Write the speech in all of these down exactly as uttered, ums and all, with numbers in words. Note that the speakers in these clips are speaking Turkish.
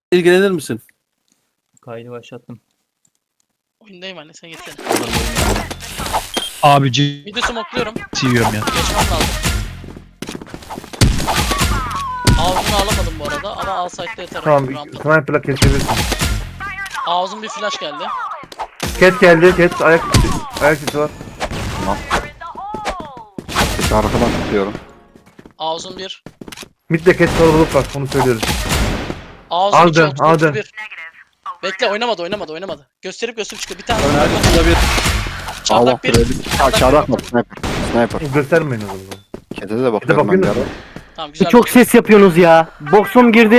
İlgilenir misin? Kaydı başlattım. Oyundayım anne sen gitsene. Abi C Midi smokluyorum. yiyorum ya. Geçmem lazım. Ağzını alamadım bu arada ama al site'de yeter. Tamam, Rampa. sniper'la kesebilirsin. Ağzım bir flash geldi. Cat geldi, Cat ayak ayak sesi var. Sesi arkadan tutuyorum. Ağzım bir. Mid'de Cat kalabalık var, onu söylüyoruz. Ağzım iki. Aldı, otuz, aldı. otuz bir. Bekle oynamadı oynamadı oynamadı. Gösterip gösterip çıkıyor. Bir tane Öner şurada bir Allah çardak bir. bir. Ha çardak mı? Sniper. Sniper. Göstermeyin o zaman. Kete de bakıyorum ben bir bakıyorsun. ara. Tamam güzel. Çok ses yapıyorsunuz ya. Boksum girdi.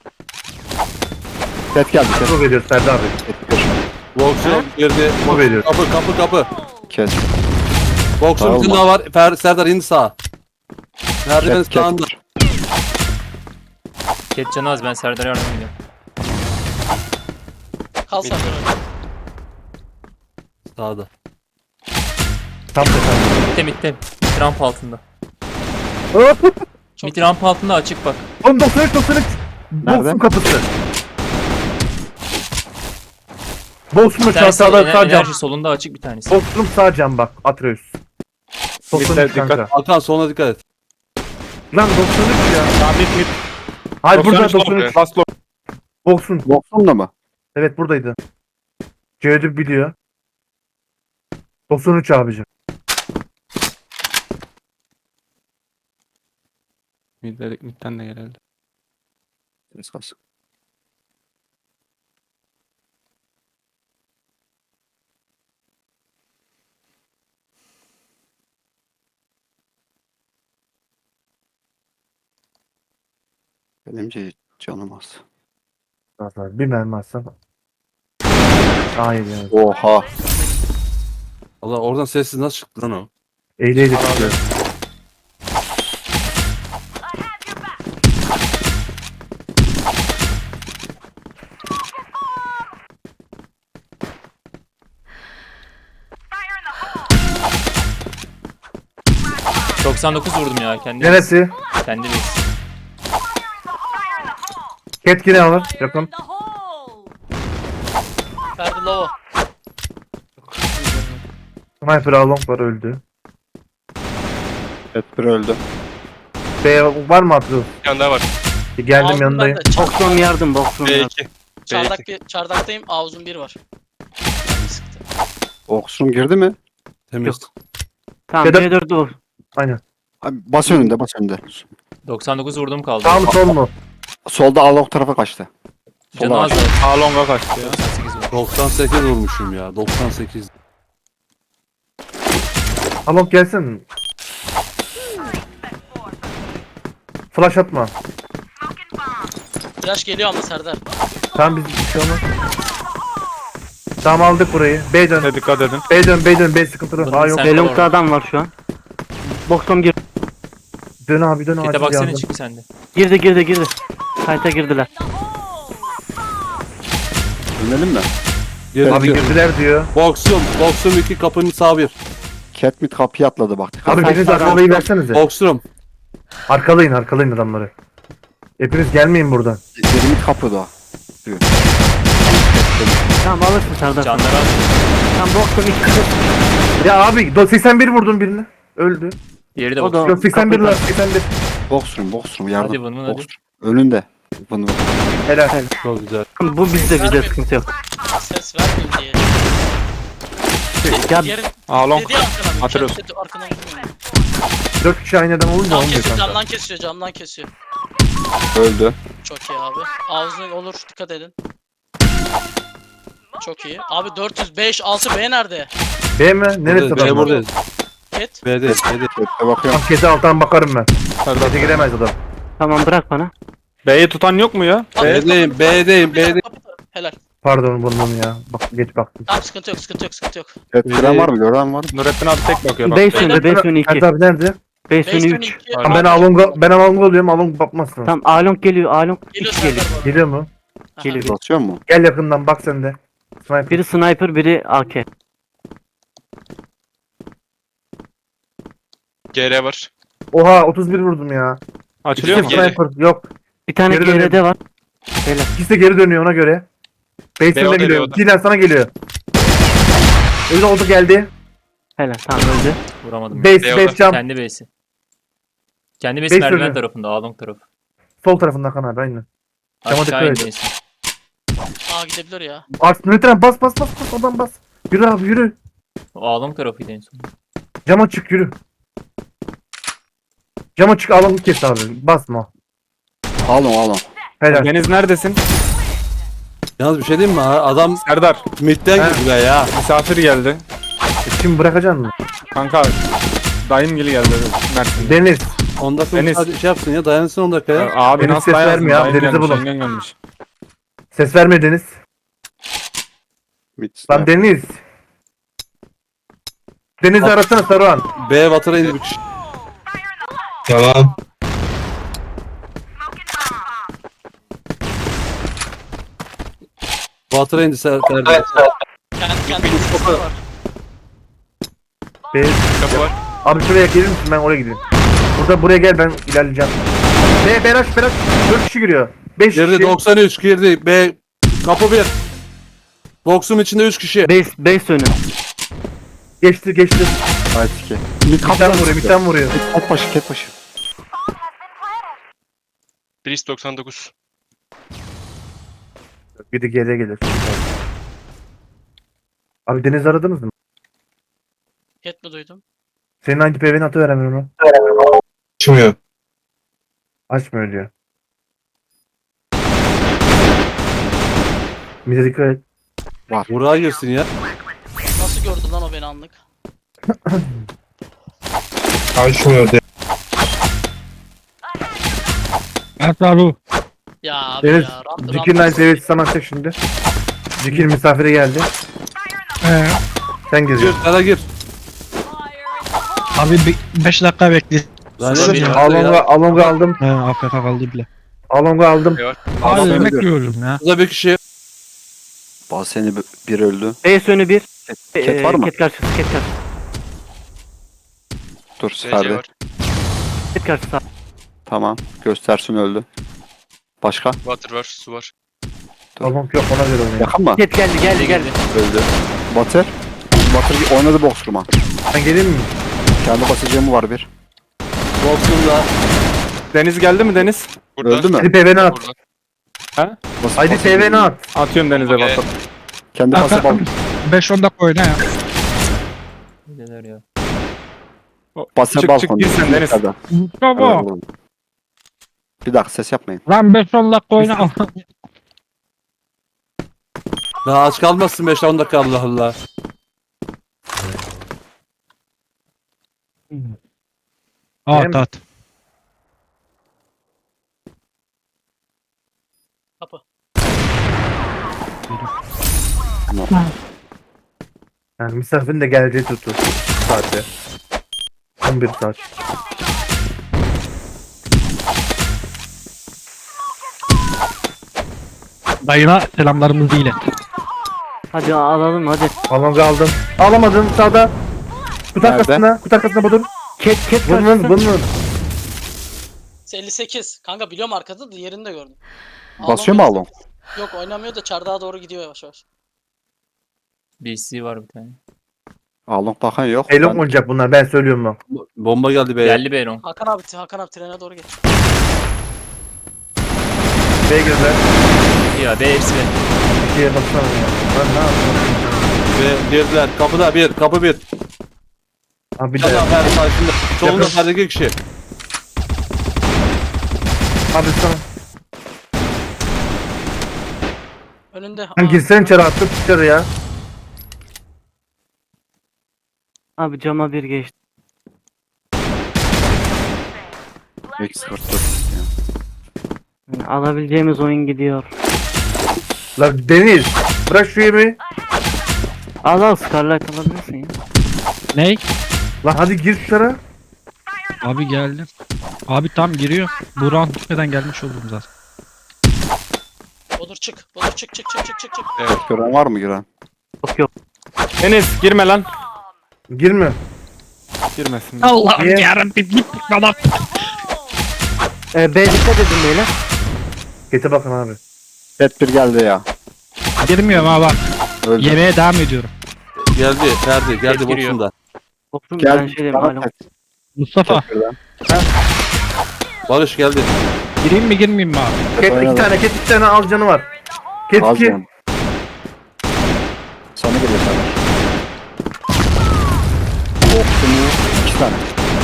Ket geldi. Ket. Bu veriyoruz Ferdi abi. Ket koşuyor. Boksum girdi. Bu veriyor. Kapı kapı kapı. Ket. Boksum Tamam. bir daha var. Fer, Serdar indi sağa. Merdiven Ket. Ket. sağında. Ket canı az, ben Serdar'a yardım ediyorum. Kal sen de öyle. Sağda. Tam da Mitte mitte. Mid ramp altında. Çok Mid ramp altında açık bak. On doksan üç doksan üç. Nerede? Box'un kapısı. Box'un Bir tanesi sağda ener- sağ cam. enerji solunda açık bir tanesi. Box'un sağ cam bak. Atreus. doksan üç kanka. Hakan soluna dikkat et. Lan doksan üç ya. Sabit mid. Hayır burada doksan üç. Last lock. Box'un. Boksum da mı? Evet buradaydı. Cevdet biliyor. doksan üç abicim. Mid'den, mid'den de geldi. Ses kalsın. Benim c- canım az. Nazar bir mermi atsam. Hayır yani. Oha. Allah oradan sessiz nasıl çıktı lan o? Eyle eyle tutuyor. doksan dokuz vurdum ya kendi. Neresi? Kendi base. Cat yine alır. Yakın. Ferdi low. Sniper Along var öldü. Ket bir öldü. B var mı Atreus? Yanında var. Geldim Ağzım yanındayım. bende. Çar- Boksum yardım boksum B yardım. iki. çardak bir, çardaktayım. Ağzım bir var. Yani sıktı. Boksum girdi mi? Temiz. Tamam Ya da- B dört o. Aynen. Abi bas önünde bas önünde. doksan dokuz vurdum kaldı. Sağ mı sol mu? Solda Alok tarafa kaçtı. Canı Sola az aç. da. A long'a kaçtı ya. doksan sekiz vurdum. doksan sekiz vurmuşum ya. doksan sekiz. Along gelsin. Flash atma. Flash geliyor ama Serdar. Tamam biz bir şey olmaz. Tamam aldık burayı. B dön. Ne dikkat edin. B dön B dön. B sıkıntılı. Bunun Aa yok. sen- Belong'da adam var şu an. Boksum girdi. Dön abi dön Kete acil baksana yardım. çık sende. Girdi girdi girdi. Kayta girdiler. Dönelim mi? Girdi. Abi girdiler diyor. Boksum. Boksum iki kapının sağ bir. Cat mid kapıyı atladı bak. Abi Kayta biriniz adam- arkalayı versenize. Boksum. Arkalayın arkalayın adamları. Hepiniz gelmeyin buradan. Biri mid kapıda o. Tamam alırsın Serdar. Canları az. Tamam boksum iki. Ya abi do- seksen bir vurdum birini. Öldü. Diğeri de O da- bak. Yok seksen bir kapıda. lan seksen bir. Boksrum boksrum yardım. Hadi bunu, hadi. Boksrum. Önünde. Bunu. Helal. Çok güzel. Bu bizde bizde sıkıntı yok. Ses vermeyeyim diye. Ya Diğerin A long. dediği arkadan. Atıyoruz. Kendi arkadan vurmuyor. Dört kişi aynı adam olunca Cam olmuyor kesiyor, kanka. camdan kesiyor, camdan kesiyor. Öldü. Çok iyi abi. Ağzın olur, dikkat edin. Çok iyi. Abi dört yüz beş, altı B nerede? B mi? Neresi Buradayız, B adam? buradayız. Ket. B'de. B'de. Cat'e bakıyorum. Tam kete alttan bakarım ben. Serdar. Kete giremez adam. tamam bırak bana. B'yi tutan yok mu ya? B'deyim. B'deyim. B'deyim. Helal. Pardon bunun ya. Bak geç baktım. Tamam sıkıntı yok, sıkıntı yok, sıkıntı yok. Cat giren var mı? Gören var mı? Nurettin abi tek bakıyor bak. Base önü base önü iki. Ferdi abi nerede? Base önü beş üç. iki. Tamam, ben Along'a ben Along'a oluyorum. Along bakmasın. Tamam Along geliyor Along Geliyor iki Serdar geliyor. bu arada. Geliyor mu? Aha. Geliyor. Basıyor mu? Gel yakından bak sen de. Sniper. Biri sniper biri A K. G R var. Oha otuz bir vurdum ya. Açılıyor mu? İkisi sniper. Yok. Bir tane Geri G R'de dönüyorum. var. Beyler. İkisi de geri dönüyor ona göre. Base'ine Beyoğlu, geliyor. Beyoğlu. Dilan sana geliyor. Öyle oldu geldi. Helal tamam öldü. Vuramadım. ya. Base, Beyoğlu. base cam. Kendi base'i. Kendi base Base merdiven önü. tarafında. Along tarafı. Sol tarafında kan abi aynen. Cama Aşağı dikkat et. indi Esin. Aa gidebilir ya. Art lütfen bas bas bas bas oradan bas. Yürü abi yürü. O Along tarafıydı en son. Cama çık yürü. Cama çık alanı kes abi. Basma. Alın alın. Helal. Deniz neredesin? Yalnız bir şey diyeyim mi? Adam Serdar. midden He. girdi be ya. Misafir geldi. Şimdi bırakacaksın mı? Kanka. Dayım geli geldi Mersin'de. Deniz. on dakika Deniz. müsaade şey yapsın ya. Dayansın on dakika ya. Abi Deniz nasıl ses dayansın? vermiyor abi, Dayım Deniz'i gelmiş, bulun. yengen gelmiş. Ses verme Deniz. Bit. Lan Deniz. Deniz'i arasana Saruhan. B Water'a indi bir kişi. Tamam. Water'a indi Ser- Serdar. Kendi kendi base'inde var. Be Kapı var. abi şuraya gelir misin ben oraya gideyim. Burada buraya gel ben ilerleyeceğim. Be Beraş Beraş dört kişi giriyor. beş Girdi kişi. doksan üç girdi. B kapı bir. Boksum içinde üç kişi. Base, base önü. Geçti geçti. Haydi ki. Mitten vuruyor mitten vuruyor. Ket başı ket başı. Priest doksan dokuz. Biri geriye gelir. Abi Deniz aradınız mı? Hit mi duydum? Senin hangi P V'ni atı veremiyorum mu? Açmıyor. Açmıyor diyor. Bize dikkat et. Buraya girsin ya. Nasıl gördü lan o beni anlık? Açmıyor de. Ya abi Deniz, ya. Rahat Cikir'in aynı seviyesi sana atacak şimdi. Cikir misafire geldi. Sen Gir gireceksin. sana gir. Abi beş dakika bekle. Lan Sonra ne bir- ya? Alonga, Alonga aldım. He A F K kaldı bile. Alonga aldım. Abi Alonga yemek öldü. yiyorum ya. Burada bir kişi. Bazı seni bir öldü. Base önü bir. Ket Ee, var mı? Ket karşısı, ket karşısı. Dur Ferdi. Ket karşısı. Tamam. Göstersin öldü. Başka? Water var, su var. Alonga yok ona göre oynuyor. Yakın mı? Ket geldi, geldi, geldi. Öldü. Batır. Batır oynadı boksruma. Ben geleyim mi? Kendi basacağımı var bir. Boksumda. Deniz geldi mi Deniz? Öldü mü? Hadi P V'ni at. Bas- Haydi bas- P V'ni at. Atıyorum Deniz'e Okey. basıp. Kendi pası bal. beş on dakika oyna ya. Neler ya. Basın Çık çık balkon. gir sen Deniz. Baba. Bir dakika ses yapmayın. Lan beş on dakika oyna. Daha aç kalmazsın beş on dakika Allah Allah. At at. Kapı. Yani misafirin de geleceği tuttu. Saatte. on bir saat. Dayına selamlarımızı ilet. Hadi alalım hadi. Alonga aldım. Alamadım sağda. Kut Nerede? arkasında. Kut arkasında budur. Ket, ket Vın vın karşısı. vın vın. elli sekiz. Kanka biliyorum arkada da yerini de gördüm. Basıyor mu Alonga- Alon? Yok oynamıyor da çardağa doğru gidiyor yavaş yavaş. B C var bir tane. Alon bakan yok. Elon Ben- oynayacak bunlar ben söylüyorum bak. Bomba geldi be. Geldi Beyron. Hakan abi Hakan abi trene doğru geç. B'ye girdiler. Ya B hepsi B. İkiye baksana ya. Ben ne yapayım? Ve girdiler. Kapıda bir. Kapı bir. Abi bir Bir tane de. daha Ferdi karşında. Solunda Yakın. Ferdi iki kişi. Abi sana. Önünde. Lan Aa, girsene içeri attım dışarı ya. Abi cama bir geçti. Eksi kırk dört. Yani alabileceğimiz oyun gidiyor. Lan Deniz. Bırak şu yemeği. Al al Scarlet alabilirsin ya. Ney? Lan hadi gir dışarı. Abi geldim. Abi tam giriyor. Bu round bitmeden gelmiş oldum zaten. Bodur çık. Bodur çık çık çık çık çık çık. Evet. Gören var mı giren? Yok yok. Deniz girme lan. Girme. Girmesin. Allah'ım Niye? yarabbim git bana. Ee, B dikkat edin beyler. Gete bakın abi. Cat bir geldi ya. Girmiyorum ha bak. Öldü. Yemeğe devam ediyorum. Geldi. Ferdi. Geldi Ket giriyor. boksumda. Boksum Gel. ben şey diyeyim Bana alo. Cat Mustafa birden. Barış geldi. gireyim mi girmeyeyim mi abi? Ket Oynadı. iki tane, ket iki tane al canı var. Ket Az iki. canım. Sana geliyor sana. Boksumu iki tane.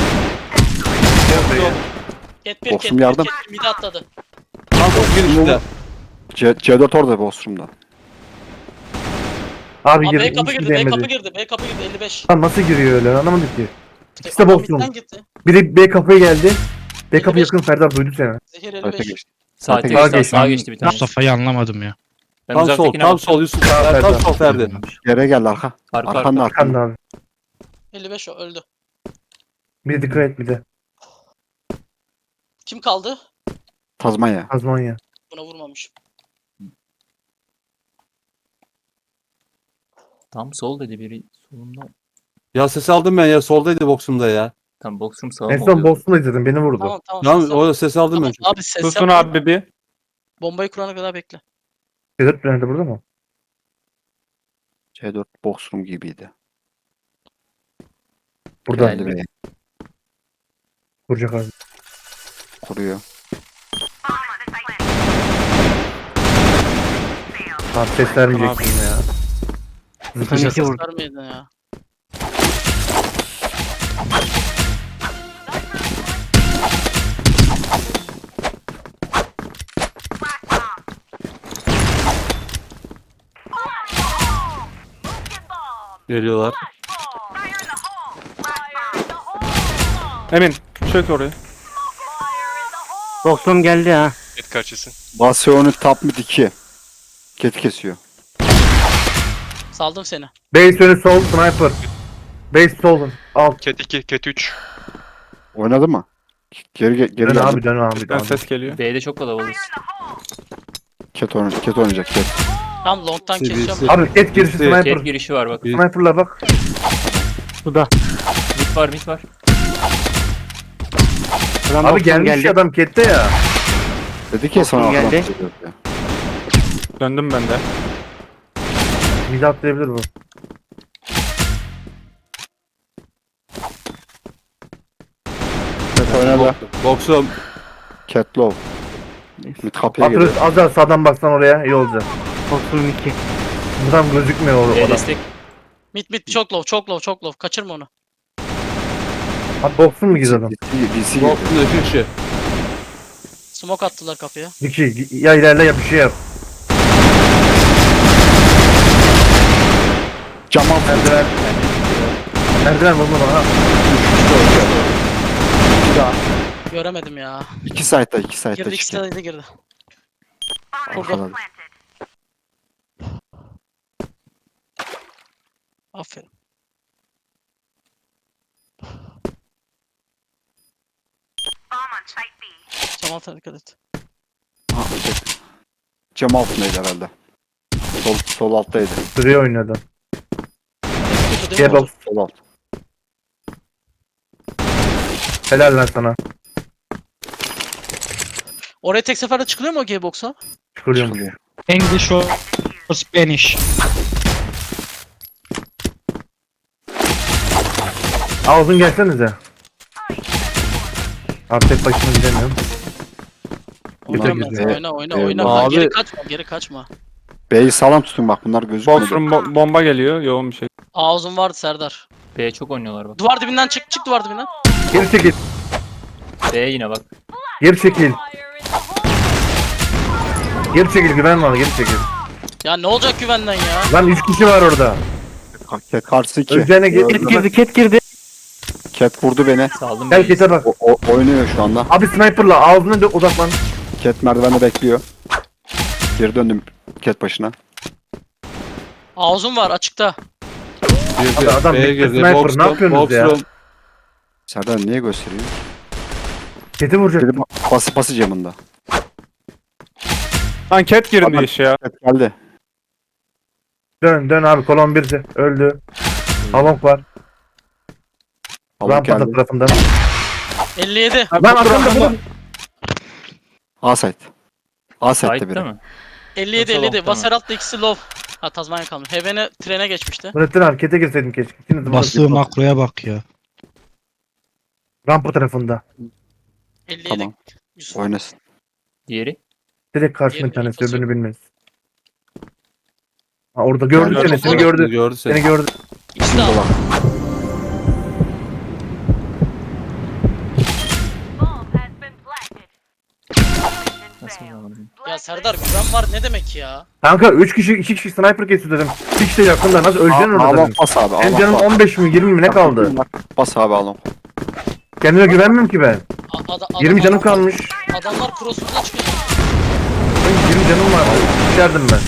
Ket bir Boksum ket bir yardım. ket bir mide atladı. Tam top girişinde. C C dört orada Bostrum'da. Abi Aa, girdi. B kapı hiç girdi, B kapı değmedi. girdi, B kapı girdi elli beş. Lan nasıl giriyor öyle anlamadık ki. İkisi de Adam boksum. midden gitti. Biri B kapıya geldi. B kapı elli beş. yakın Serdar duydu seni. Zehir elli Öte beş. geçti. Sağa Sağa geçti, geçti. sağa geçti bir tane. Mustafa'yı anlamadım ya. Ben Tam sol. uzaktakine Tam bak. sol Yusuf. Sağ Tam Ferdi. sol Ferdi. Geriye geldi arka. Arka Arkanın arka. arkanın. Kan abi. elli beş o öldü. Bir de dikkat et bir de. Kim kaldı? Tazmanya. Azmanya. Buna vurmamış. Tam sol dedi biri solunda. Ya ses aldım ben ya. Soldaydı boksumda ya. Tam boksum sağa En mı son oluyor? Boston'da izledim beni vurdu. Tamam tamam. Tamam ses yap. orada ses aldım Tamam, ben. abi ses Susun yapma. abi bir. Bombayı kurana kadar bekle. Sedat nerede burada mı? C dört Bostrum gibiydi. Burada. Geldi. Geldi ve Vuracak abi. kuruyor. Abi ses vermeyeceksin yine ya. Sen iki Ses vur. vermeydin ya. Geliyorlar. Emin çök oraya. Boksum geldi ha. Et kaçısın. Basyonu top mid iki. Cat kesiyor. Saldım seni. Base önü sol sniper. Base solun. Al. Cat iki, Cat üç. Oynadı mı? Geri ge- geri Dön geldi. abi dön abi. Bizden Dön. ses geliyor. B'de çok kalabalığız. Cat oynayacak. Cat oynayacak. Cat. Tam long'tan Birisi- keseceğim. Abi ket girişi Birisi- sniper. Ket girişi var bak. Bir- Sniper'la bak. Suda. Mid var mid var. Adam Abi boksum gelmiş geldi. ya adam kette ya. Dedi ki sana Boksun arkadan geldi. geliyor diye. Döndüm ben de. Bizi atlayabilir bu. Cat oynadı. Boksum. Cat low. Mid kapıya Atırız geliyor. az daha sağdan baksan oraya iyi olacak. Boksum iki. Buradan gözükmüyor o B adam. destek. Mid mid çok low çok low çok low. Kaçırma onu. Abi boksun mu gidiyor adam? D C, D C geliyor. Boksumda iki kişi. Smoke attılar kapıya. İki. Ya ilerle ya bir şey yap. Cam altı. Merdiven. Merdiven vurma bana. Bir daha. Göremedim ya. İki site'da, iki site'da Girdi ikisi çıktı. de girdi. Ortada. Kurdu. Aferin. Cam altına dikkat et. Ha, şey. Cam altındaydı herhalde. Sol, sol alttaydı. Süreye oynadı. Kötü değil mi Diye oldu? bak. Sol alt. Helal lan sana. Oraya tek seferde çıkılıyor mu o G-Box'a? Çıkılıyormuş. Çıkılıyor. English or Spanish. Ağzın gelsenize. Abi tek başıma gidemiyorum. Bunlar Oyna, güzel. oyna, oyna, Eyvallah. oyna. Lan Abi- Geri kaçma, geri kaçma. B'yi sağlam tutun bak bunlar gözükmüyor. Bostrum bo- bomba geliyor. Yoğun bir şey. Ağzın vardı Serdar. B çok oynuyorlar bak. Duvar dibinden çık, çık duvar dibinden. Geri çekil. B yine bak. Geri çekil. Geri çekil güven var geri çekil. Ya ne olacak güvenden ya? Lan üç kişi var orada. Ka- Karşı iki. Öleceğine git. Gördüm. Ket girdi ket girdi. Cat vurdu beni. Saldım Gel B'yi. kete bak. O, o- oynuyor şu anda. Abi sniper'la ağzına dö- odaklan. Cat merdivende bekliyor. Geri döndüm Cat başına. Ağzın var açıkta. Girdi. Abi adam B'ye bekle, girdi. sniper, Boksum. ne yapıyorsunuz ya? Boksum. Serdar niye gösteriyor? Kete vuracak. Biri ba- bası bası camında. Lan Cat girdi Adam- işe ya. Cat geldi. Dön dön abi kolon birdi. Öldü. Halonk var. Alın Rampada geldi. tarafından. elli yedi. Lan arkamda bu. A site. A site'de Side'da biri. mı? elli yedi Yoksa elli yedi. long'da mı? Vaseralt'ta ikisi low. Ha Tazmanya kalmış. Heaven'e trene geçmişti. Nurettin abi kete girseydim keşke. İkiniz de burada Bastığı bir- makroya bak ya. Rampa tarafında. elli yedi. Tamam. Yusuf. Oynasın. Diğeri. Direkt karşında bir Diğerinin tanesi infosu öbürünü bilmez. Ha orada gördü Gördü, seni, seni gördü. gördü. Gördü seni. Seni gördü. İkisi de aldı. Nasıl bulamadım? Ya Serdar güven var ne demek ya? Kanka üç kişi iki kişi sniper kesiyor dedim. Bir kişi de yakında nasıl öleceksin orada Alon dedim. bas abi. Benim Alon canım bas. on beş mi yirmi mi ne kaldı? Bas abi Alon. Kendime güvenmiyorum ki ben. A- ada- yirmi adam- canım kalmış. Adamlar cross'umuza çıkıyor. Benim yirmi canım var. İçerdim ben.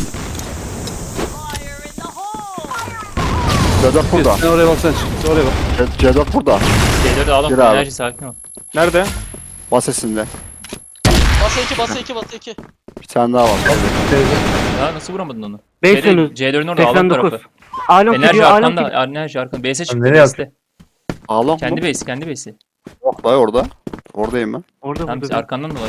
Cedok burada. Sen oraya bak sen çık. Sen oraya bak. Ce- Cedok burada. C dört'ü alalım. Gir abi. Enerji sakin ol. Nerede? Bas sesinde. Basa iki basa iki basa iki. Bir tane daha var. Ya nasıl vuramadın onu? beş önü. C dört'ün orada alalım seksen dokuz. tarafı. Alon Enerji gidiyor. Alon gidiyor. arkanda. Enerji arkanda. Base'e çıktı. nereye Base'te. Alon Kendi mu? base. Kendi base'i. Yok dayı orada. Oradayım ben. Orada Tamam biz burada. arkandan dolaş.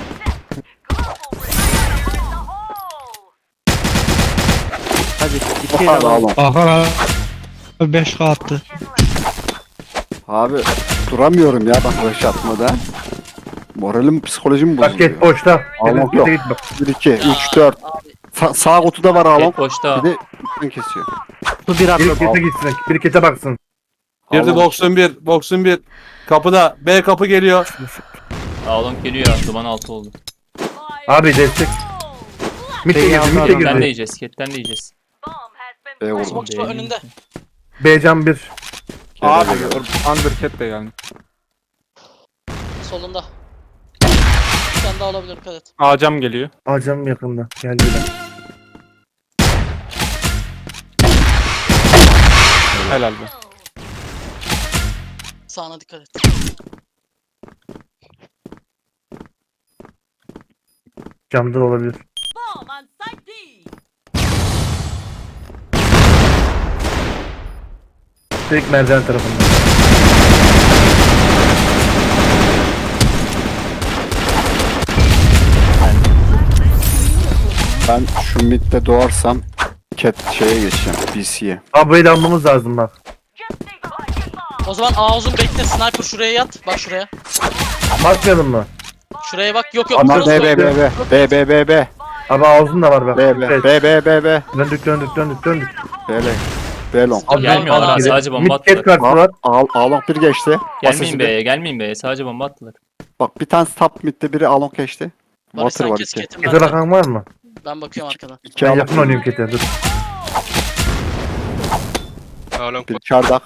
Hadi. İkiye de Abi alalım. Alon. Aha abi beş K attı. Abi duramıyorum ya bak rush atmada. Moralim psikolojim Bak bozuluyor. get boşta. Alon Dedim yok. git bak. bir iki üç dört. Sa sağ kutuda var Alon. Tek boşta. Bir de üstten kesiyor. Su bir Biri atladı. kete gitsin. Biri kete baksın. Girdi Alon. boksun bir. Boksun bir. Kapıda. B kapı geliyor. Alon geliyor ya. Duman altı oldu. Abi destek. Mitte B'yi girdi. aldı Mitte adam. Ketten de girdi. yiyeceğiz. Ketten de yiyeceğiz. B vurdum. Smoke şu önünde. B can bir. Abi Undercat de geldi. Solunda. Bir tane daha olabilir dikkat et. Ağacam geliyor. Acam yakında. Geldiler. Helal be. Sağına dikkat et. Camda da olabilir. Direkt merdiven tarafında. Ben şu midde doğarsam cat şeye geçeceğim. B C'ye. Abi burayı da almamız lazım bak. O zaman A uzun bekle sniper şuraya yat. Bak şuraya. Bakmayalım mı? Şuraya bak. Yok yok. Ama cross B B koy. B B B B B B Abi ağzın da var bak. B B Evet. B B B B Döndük döndük döndük döndük. B L B long. Abi Gelmiyorlar Aa, ha. gidin. Sadece bomba Mid cat attılar. kartı var. Al Along bir geçti. Gelmeyin Asesi B'ye. Gelmeyin B'ye. Sadece bomba attılar. Bak bir tane top midde biri Along geçti. Barış Water sen var kes iki. ketim Kete var. bakan var mı? Ben bakıyorum arkadan. İki Ben Along. yakın oynayayım kete dur. Bir çardak.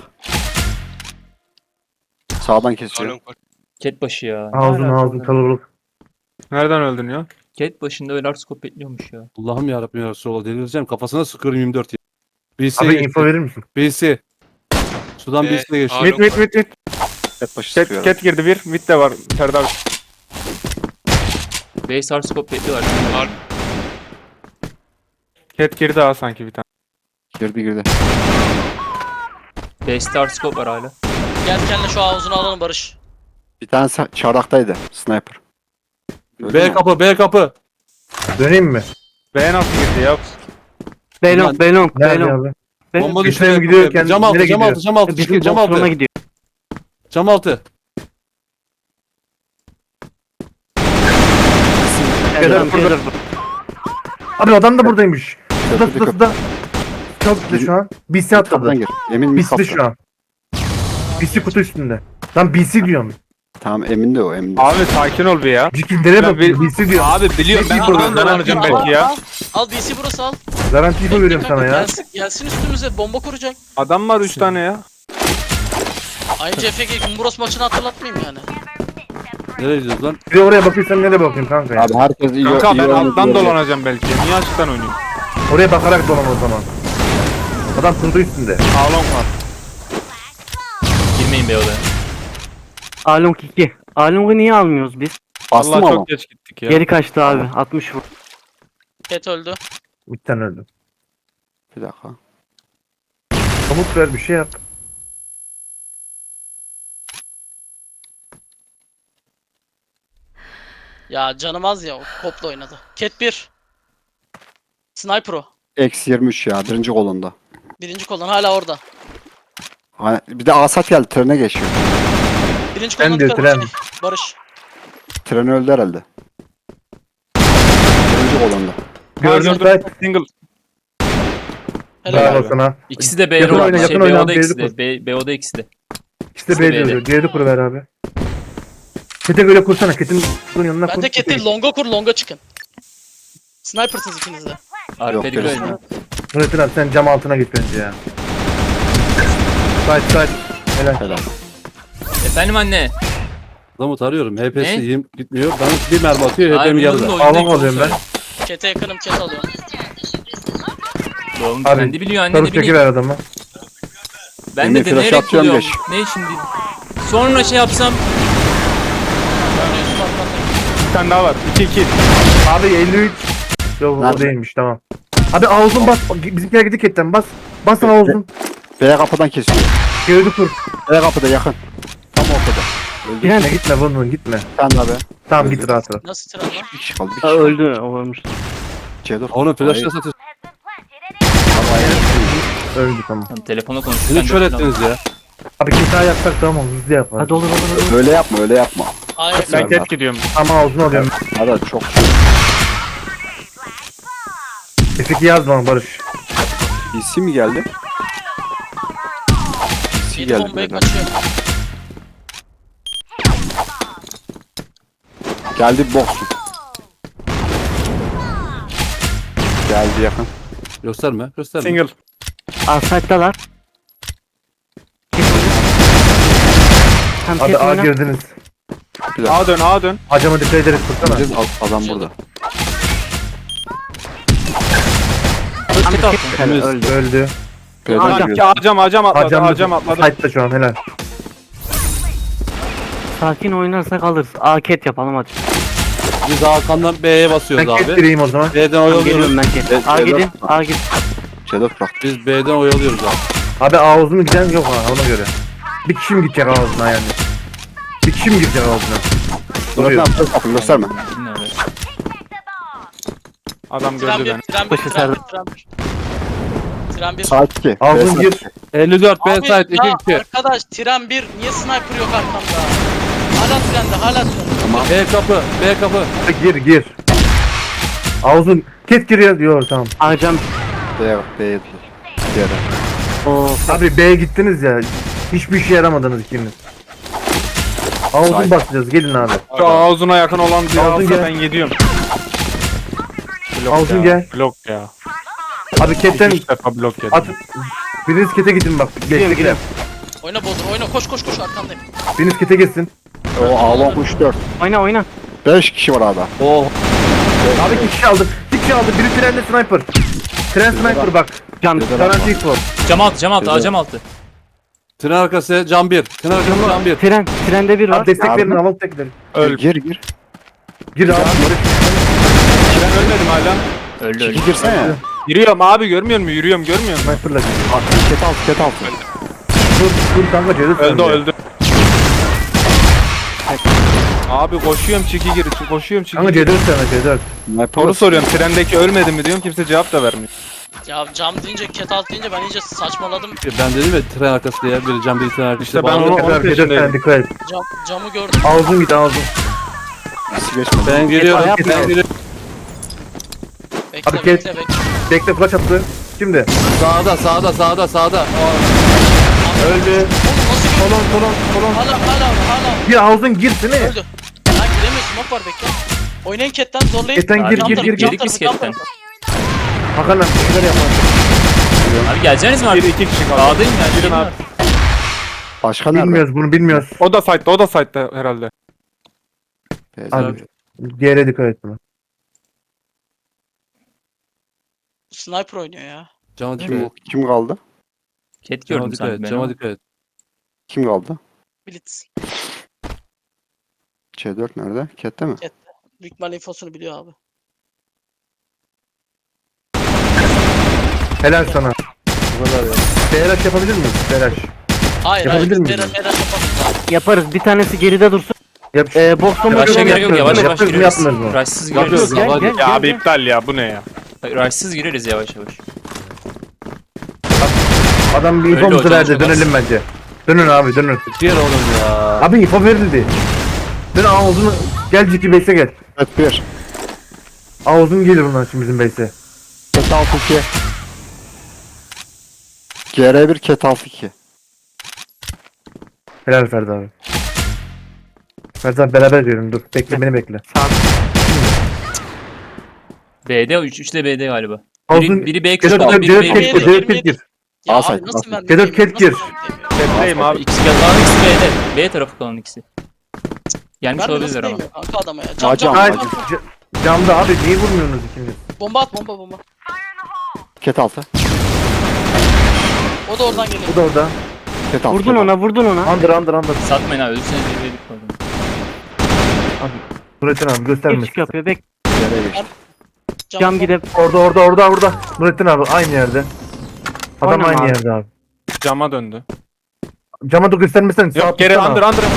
Sağdan kesiyor. Cat başı ya. Ne Ağzın alaka ağzın oğlum? kalabalık. Nereden öldün ya? Cat başında öyle scope bekliyormuş ya. Allah'ım yarabbim ya Resulallah delireceğim. Kafasına sıkıyorum yirmi dört ya. B C Abi geçti. info verir misin? B C. Sudan B C'ye geçti. Mid mid mid mid. Cat başı Cat, sıkıyor. cat girdi bir. Mid de var. Serdar. Base hard scope bekliyorlar. Cat girdi ha sanki bir tane. Girdi girdi. Base hard scope var hala. Gel kendine şu A uzunu alalım Barış. Bir tane sa- çardaktaydı. Sniper. Gördün B mü? kapı B kapı. Döneyim mi? B nasıl girdi ya? Belong, Belong, Nerede Belong. abi? Ben- Bomba Bir düştü. tane gidiyor, kendi- Cam altı nereye cam gidiyor? altı cam altı. Bizim Cam boksuna altı. gidiyor. Cam altı. Adam burada. gelir. Abi adam da buradaymış. Şurada Köprüde şurada şurada. Çok güzel şu an. B C Kaptan atladı. gir. Emin mi B C'de kaptan? şu an. B C kutu üstünde. Lan B C diyorum. Tamam emin de o emin de. Abi sakin ol bir ya. Cikillere bak. bir- B C diyorum. Abi biliyorum ben buradan dolanacağım belki ya. Al B C burası al. Garanti info veriyorum sana ya. Gelsin, gelsin üstümüze bomba kuracak. Adam var üç tane ya. Aynı C F G Kumburos maçını hatırlatmayayım yani. Nereye gidiyoruz lan? Bir de oraya bakıyorsan nereye bakayım kanka ya? Abi herkes iyi Kanka iyi ben oynadı alttan diyor. dolanacağım belki. Niye açıktan oynayayım? Oraya bakarak dolan o zaman. Adam kurdu üstünde. Along var. Girmeyin be odaya. Along iki. Along'u niye almıyoruz biz? Bastım Allah ama. çok geç gittik ya. Geri kaçtı abi. altmış vur. Cat öldü. Bir tane öldü. Bir dakika. Komut ver bir şey yap. Ya canım az ya o kopla oynadı. Cat bir. Sniper o. Eksi yirmi üç ya. Birinci kolunda. Birinci koldan hala orada. Ha, bir de Asat geldi. Trene geçiyor. Birinci Ben koldan de dikkat tren. et. Barış. Tren öldü herhalde. Birinci kolunda. Gördüm Gördüm. site. Single. Helal. Bravo abi. sana. İkisi de B Yakın O'da. oyna, Şey, yakın oyna, B O'da B'de ikisi de. kur. B, B O'da ikisi de. İkisi de İkisi de B'de B'de. ölüyor. Diğeri kuru ver abi. Kete göre kursana. Ketin bunun yanına kur. Ben de Ket'i longa kur longa çıkın. Sniper'sınız ikiniz de. Arka dikkat gerisi. edin. Nurettin abi sen cam altına git bence ya. Site site. Helal. Helal. Efendim anne. Adamı tarıyorum. H P'si Ne? yiyeyim gitmiyor. Bana bir mermi atıyor. Hayır, H P'mi bunların yarıda. da oyunda Almak alıyorum ben. Ket'e yakınım Ket alıyorum. Oğlum Abi, kendi biliyor anne Sarı ne bileyim. çekiver adamı. Ben Emre, de flash deneyerek atıyorum, buluyorum. geç. Ne şimdi? Sonra şey yapsam. Ben Yusuf atladım. Bir tane daha var. iki iki. Abi elli üç. Yok o Nerede? değilmiş tamam. Abi ağzın bas. Bizimkiler gidik etten bas. Bas ağzın. B kapıdan kesiyor. Gördü kur. B kapıda yakın. Tam ortada. Öldü. Tren Gitme gitme vurun vurun gitme. Sen de abi. Tamam git rahat rahat. Nasıl tren lan? Bir kişi kaldı. Bir Ha, kişi kaldı. öldü. O ölmüş. C dur. Onu flashla Hayır. satıyorsun. Öldü tamam. Tamam, telefona konuştuk. Beni kör ettiniz ya. Abi kimse yapsak tamam hızlı yapar. Hadi olur olur olur. Öyle yapma öyle yapma. Hayır. Ben ket gidiyorum. Ama ağzını alıyorum. Hadi çok F iki yazma Barış. P C mi geldi? P C Yedi geldi. bombaya beyler. kaçıyor. Geldi boksun. Geldi yakın. Gösterme. Gösterme. Single. Asayt'talar. Tam Abi ket A oyna. girdiniz. A dön A dön. Acama dikkat ederiz tutsana. Bizim ad- adam burada. Tam Ket ket attım. helal, öldü. Öldü. B'den Acam giriyor. acam acam atladı. Acam Acam atladı. Site'da şu an helal. Sakin oynarsak alırız. A ket yapalım hadi. Biz Hakan'dan B'ye Ben basıyoruz ket abi. gireyim o zaman. B'den Tamam, oyalıyoruz. geliyorum ben ket. Evet, A evet. gidin. A gidin. C dört bırak. Biz B'den oyalıyoruz abi. Abi ağzını giden yok ha ona göre. Bir kişi mi gidecek ağzına yani? Bir kişi mi gidecek ağzına? Dur ne Duruyor. yapıyorsun? Kapını gösterme. Bilmiyorum. Tren Adam gördü bir, beni. tren bir, Başı tren bir, sardı. tren bir. Tren bir. Saat iki. Ağzını B gir. saat iki. elli dört B Abi site iki ya iki. arkadaş tren bir niye sniper yok arkamda? Hala trende hala trende. B kapı. B kapı. Gir gir. Ağzın ket giriyor diyor tamam. Acam. B yok. B değil. Diğeri. O Abi B'ye gittiniz ya. Hiçbir işe yaramadınız ikiniz. Ağzını Sahip. basacağız gelin abi. Şu ağzına yakın olan bir Ağzın alsa gel. ben gidiyorum. Blok Ağzın ya. gel. Blok ya. Abi ketten Üç defa blok yedim. at. Biriniz kete gidin bak. Geçtikler. Oyna Bodur oyna koş koş koş arkandayım. Biriniz kete gitsin. O Alon üç dört. oyna oyna. beş kişi var abi. Oh. Abi iki kişi aldı. İki kişi aldı. Biri trende sniper. Tren sniper bak. Cam. Garanti info. Cam altı cam altı. A cam altı. Tren arkası cam bir. Tren arkası cam bir. Tren. Trende bir var. Abi destek verin alalım tekleri. Öl. Gir gir. Gir abi. Ben ölmedim hala. Öldü öldü. İki girsene. Yürüyorum abi görmüyor musun? Yürüyorum görmüyor musun? Sniper'la gir. Ket altı ket altı. Dur dur kanka Cedil Öldü öldü. Abi koşuyorum çiki gir. Koşuyorum çiki Kanka gir. Cedil sana Cedil. Soru soruyorum. Trendeki ölmedi mi diyorum. Kimse cevap da vermiyor. Ya cam deyince ket alt deyince ben iyice saçmaladım. Ben dedim ya tren arkası diye. Biri cam bir tren arkası. İşte ben bağlı. onu- Tekrar Cedil peşindeyim. sen dikkat et. Cam, camı gördüm. Ağzın git ağzın. Birisi geçmedi. Ben geliyorum. Ayap Ben mı? geliyorum. Bekle Abi bekle ket- bekle. Bekle flash attı. Şimdi. Sağda sağda sağda sağda. Öldü. Oğlum nasıl gördün? Kolon kolon kolon. Hala hala hala. Bir ağzın girsene. Öldü. Lan giremiyorsun smoke var bekle. Oynayın ketten zorlayın. Ketten gir Cam gir tarafı, gir cam gir. Girdik biz tarafı, cam ketten. tarafı. Hakan abi bir şeyler yapar. Abi geleceğiniz mi Bir abi? iki kişi kaldı. A'dayım ya. Girin gelin abi. Başka nerede? Bilmiyoruz bunu bilmiyoruz. O da site'da o da site'da herhalde. B Abi diğere dikkat et buna. Sniper oynuyor ya. Cama dikkat Kim, et. kim kaldı? Ket Cama gördüm dikkat sanki et. ben. Cama ama. dikkat et. Kim kaldı? Blitz. C dört nerede? Ket'te mi? Büyük ihtimal infosunu biliyor abi. Helal sana. Bu kadar ya. B R H yapabilir miyiz? B R H. Hayır Yapabilir hayır. miyiz? Mera mera yapalım. Yaparız. Bir tanesi geride dursun. Yap. Ee, boksuma Rush'a göre gerek yok. Yavaş yavaş Yapıyoruz mu giriyoruz. yapmıyoruz mu? Rush'sız Yapıyoruz. giriyoruz. Gel, Hadi. gel, Ya gel, abi gel. iptal ya bu ne ya? Rush'sız gireriz yavaş yavaş. Adam bir Öyle infomuzu hocam, verdi. olmaz. Dönelim bence. Dönün abi dönün. Diğer oğlum ya. Abi info verildi. Dön ağzını. Gel Ciki base'e gel. Evet bir. Ağzın gelir bundan şimdi bizim base'e. Ket altı iki. G R bir ket altı iki. Helal Ferdi abi. Ferdi abi beraber diyorum dur. Bekle beni bekle. B'de üç üç de B'de galiba. Ağzın. Biri, biri B Cedet kuşu, biri Cedet B Ket B'de, gir. kuşu. Cedet Ket gir. Ya Asay, abi nasıl asay. ben Kedet Ket gir. Bekleyeyim abi. İkisi kalan ikisi B'de. B tarafı kalan ikisi. Gelmiş Ben de nasıl olabilirler ama. değmiyor kanka adama ya. Cam Hocam, cam. Hayır. cam. c- Camda abi niye vurmuyorsunuz ikiniz? Bomba at bomba bomba. Ket altı. O da oradan geliyor. Bu da orada. Ket altı. Vurdun ket ona vurdun ona. Under under under. Satmayın abi ölürseniz bir B'lik kaldı. Nurettin abi Bir göstermesin. çık yapıyor. Bek altı. G R geçti. cam gidip. Orada orada orada orada. Nurettin abi aynı yerde. Adam Oynama aynı abi. yerde abi. Cama döndü. Cama da göstermesen. sağ Yok geri tutsana. under under.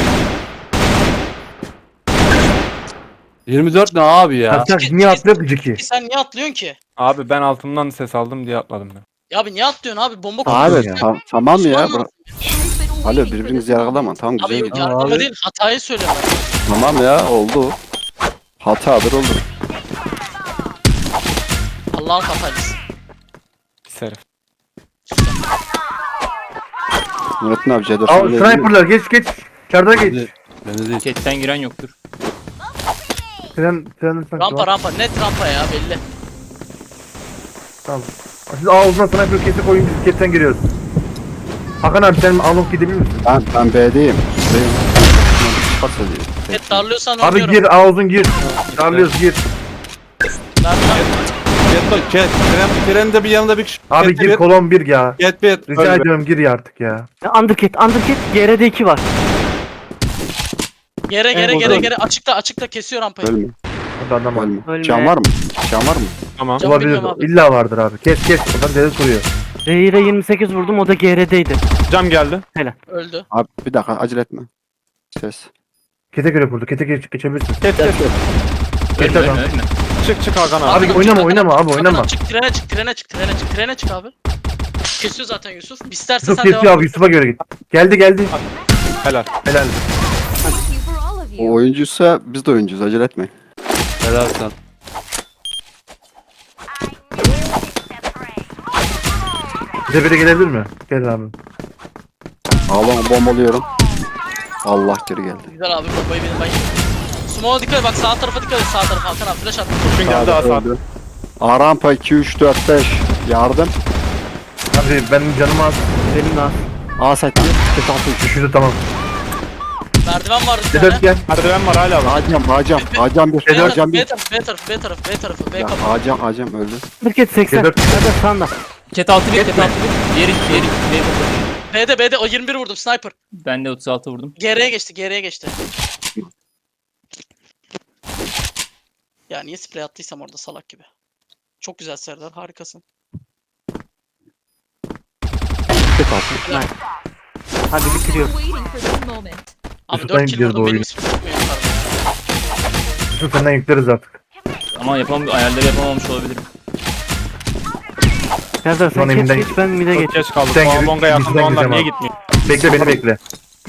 yirmi dört ne abi ya? Ertak niye atlıyor ki Ciki? Sen niye atlıyorsun ki? Abi ben altımdan ses aldım diye atladım ben. Ya abi niye atlıyorsun abi? Bomba Abi kuruyorsun. tam, tamam ya. Osman Bıra- Alo birbirinizi yargılama. Tamam Abi güzel yok gidiyor. yargılama abi. değil hatayı söylüyorum. Tamam ya oldu. Hatadır oldu. Allah'ın hataylısı. Pis herif. Nurettin abi C dört. Al sniperlar geç geç. Çardağa geç. Beni değil. Ketten giren yoktur. Tren tren Rampa rampa net rampa ya belli. Tamam. Siz ağzına sniper kesi koyun biz ketten giriyoruz. Hakan abi sen Alok gidebilir misin? Ben, ben B'deyim. B'deyim. Pas ediyor. Net darlıyorsan Abi oynuyorum. gir ağzın gir. Darlıyoruz gir. Darlıyorum. Ket bak ket. Tren, trende bir yanında bir kişi. Abi Ket gir bir. kolon bir ya. Ket bir. Rica Öyle. ediyorum gir ya artık ya. Underkit Underkit. G R'de iki var. Gere gere Evet, gere bakalım. gere açıkta açıkta kesiyor rampayı. Ölme. Hadi adam var. Ölme. Ölme. Can var mı? Can var mı? Tamam. Can Olabilir. bilmiyorum abi. İlla vardır abi. Kes kes. Adam deli kuruyor. Zehir'e yirmi sekiz vurdum o da G R'deydi. Cam geldi. Öldü. Abi bir dakika acele etme. Ses. Kete göre kurdu. Kete geç, geçebilirsin. Kes kes. Kes Ölme adam. ölme ölme. Çık çık Hakan abi. Abi Çık, oynama çık, oynama çık, abi çık, oynama. Çık trene çık trene çık trene çık trene çık abi. Kesiyor zaten Yusuf. İsterse Yusuf sen kesiyor devam abi et. Yusuf'a göre git. Geldi geldi. Helal. Helal. O oyuncuysa biz de oyuncuyuz acele etmeyin. Helal sen. Bize biri gelebilir mi? Gel abi. Ağlama bombalıyorum. Allah geri geldi. Güzel abi bombayı benim ben. Smoke'a dikkat et bak sağ tarafa dikkat et sağ tarafa Hakan abi flash at. Kurşun geldi Sağda Hasan. öldü. A rampa iki üç dört beş. Yardım. Abi benim canım az. Benim de az. A site bir. Ket altı üç. Düşürdü tamam. Merdiven var bir Sedat tane. gel. Merdiven var hala var. Acam Acam. Acam bir. B tarafı Acam B bir. tarafı B tarafı B tarafı B tarafı B Ya, kapı. Acam Acam öldü. Underkit seksen. G dört. Nerede sağında? Ket altı bir ket altı bir. Diğeri diğeri B kapı. B'de B'de o yirmi bir vurdum sniper. Ben de otuz altı vurdum. Geriye geçti geriye geçti. Ya niye sprey attıysam orada salak gibi. Çok güzel Serdar harikasın. Ket altı. Hadi bitiriyoruz. Abi Yusuf'tan dört kill gidiyoruz bu vurdum benim oyunu. sprey tutmuyor yukarıda ya. Yusuf senden yükleriz artık. Ama yapam ayarları yapamamış olabilirim. Serdar Şu an sen evinden geç geç ben mide Çok geç. geç kaldık. Sen Bonga gir- bonga yaptım. bizden Onlar gideceğim niye abi. gitmiyor? Bekle beni bekle.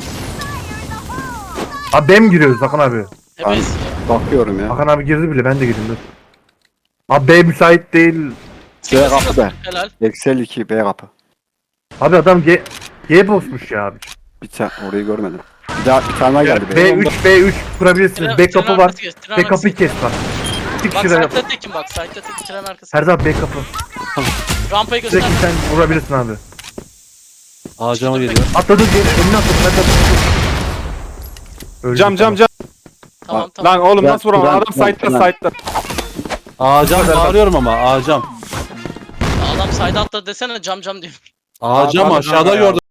Abi benim giriyoruz Hakan abi. Ebeyiz ya. Bakıyorum ya. Hakan abi girdi bile ben de girdim dur. Abi B müsait değil. B kapı B. Helal. Excel iki B kapı. Abi adam G G bozmuş ya abi. Bir tane orayı görmedim. Bir daha bir tane daha geldi B B. üç B üç kurabilirsiniz. Tren- Backup'ı tren var. arkası geç, tren arkası Backup'ı geç. kes bak. Çık Bak şuraya. site'da tekim bak site'da tekim tren arkası. Her zaman backup'ı. Rampayı göster. Direkt sen vurabilirsin abi. Ağacama geliyor. Atladı geri önüne atladı. Ben de Öldü Cam cam cam. Tamam tamam. Lan oğlum Ben- nasıl vuramam? ben- Adam ben- site'da ben- site'da. Ağacam bağırıyorum ama ağacam. Adam side'a atladı desene cam cam diyor. Ağacam Abi, aşağıda abi, gördüm.